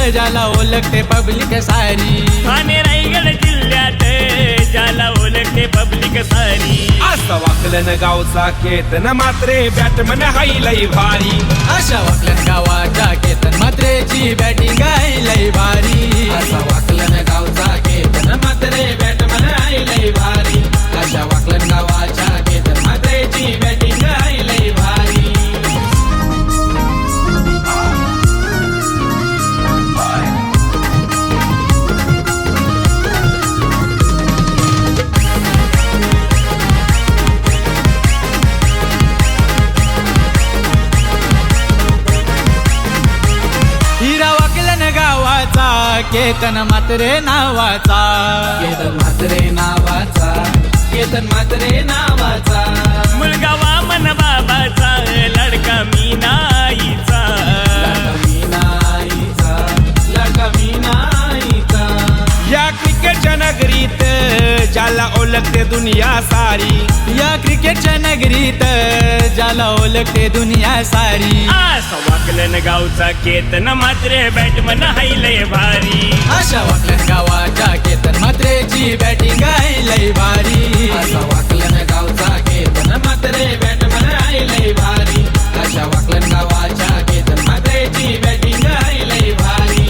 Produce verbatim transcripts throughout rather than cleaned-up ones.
ज्याला ओळखते पब्लिक सारी. ठाणे रायगड जिल्ह्यात ज्याला ओळखते पब्लिक सारी. असं वाकलन गावचा केतन मात्रे बॅटमन हाय लई भारी. अशा वाकलन गावाच्या केतन मात्रेची बॅटिंग आहे लई भारी. असा वाकलन गावचा केतन मात्रे बॅटमन हाय लई भारी. अशा वाकलन गावाच्या केतन मात्रेची बॅटिंग हाय लई भारी. हिरा वाकलन गावाचा केतन मात्रे नावाचा. केतन मात्रे नावाचा. केतन मात्रे नावाचा. मुलगा वामन बाबाचा लडका मीनाईचा. लडका मीनाईचा. लडका मीनाईचा. या क्रिकेटच्या नगरीत ज्याला ओळखते दुनिया सारी. या क्रिकेटच्या नगरीत ज्याला ओळखते दुनिया सारी. असा वाकलन गावचा केतन मात्रे बॅटमन हाय लय भारी. अशा वाकलन गावाच्या केतन मात्रेची बॅटिंग आहे लई भारी. असा वाकलन गावचा केतन मात्रे बॅटमन हाय लई भारी. अशा वाकलन गावाच्या केतन मात्रेची बॅटिंग हाय लई भारी.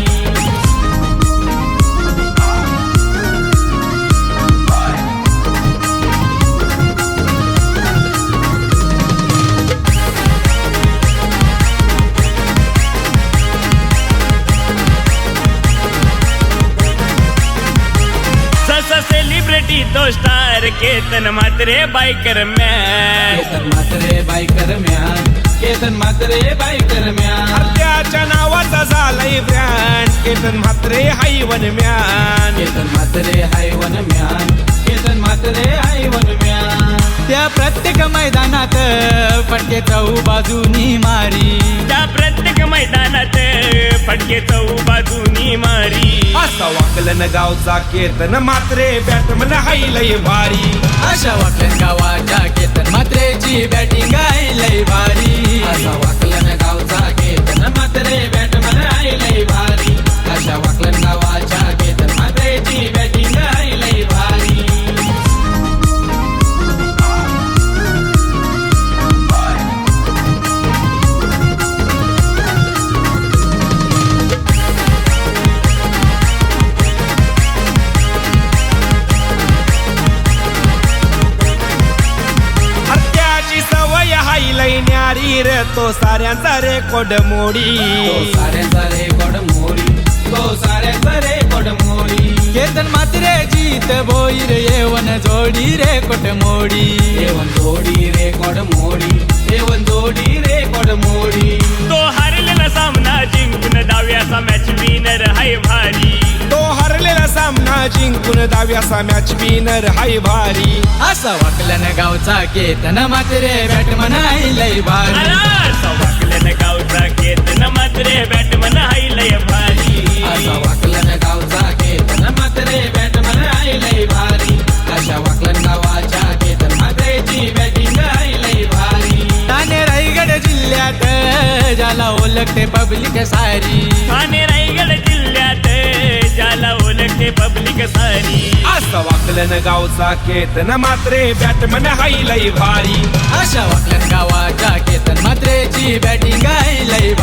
सेलिब्रिटी तो star Ketan Mhatre biker man. Ketan Mhatre biker man. Ketan Mhatre biker man. त्याच्या नावाचा झालंय brand Ketan Mhatre high one man. Ketan मात्रे हाय वन म्यान. केतन मात्रे हाय वन म्यान. त्या प्रत्येक मैदानात फटके चौ बाजूनी मारी. त्या प्रत्येक मैदानात फटके चौ बाजूनी मारी. असा वाकलन गावचा केतन मात्रे बॅटमन हाय लई भारी. अशा वाकलन गावाच्या केतन मात्रेची बॅटिंग आहे लई भारी. असा वाकलन गावचा केतन मात्रे बॅटमन हाय लई भारी. अशा वाकलन गावाच्या केतन मात्रेची बॅटिंग हाय लई भारी. न्यारी रे तो साऱ्यांचा रेकॉर्ड मोडी. तो साऱ्यांचा रेकॉर्ड मोडी. तो साऱ्यांचा रेकॉर्ड मोडी. केतन मात्रे जीत बोईर येवन जोडी रेकॉर्ड मोडी. येवन जोडी रेकॉर्ड मोडी. येवन जोडी रेकॉर्ड मोडी. तो हरलेला सामना जिंकून डाव्याचा मॅच विनर हाय भारी. तो हरलेला सामना जिंकून डाव्याचा मॅच विनर हाय भारी. असा वाकलन गावचा केतन मात्रे बॅटमन आहे लई भारी. असा वाकलन गावचा केतन मात्रे बॅटमन हाय लय भारी. असा वाकलन गावचा केतन मात्रे बॅटमन हाय लई भारी. अशा वाकलन गावाच्या केतन मात्रेची बॅटिंग हाय लई भारी. ठाणे रायगड जिल्ह्यात ज्याला ओळखते पब्लिक सारी. ठाणे रायगड जिल्ह्यात ज्याला ओळखते पब्लिक सारी. असं वाकलन गावचा केतन मात्रे बॅटमन हाय लई भारी. अशा वाकलन गावाच्या केतन मात्रेची बॅटिंग आहे लई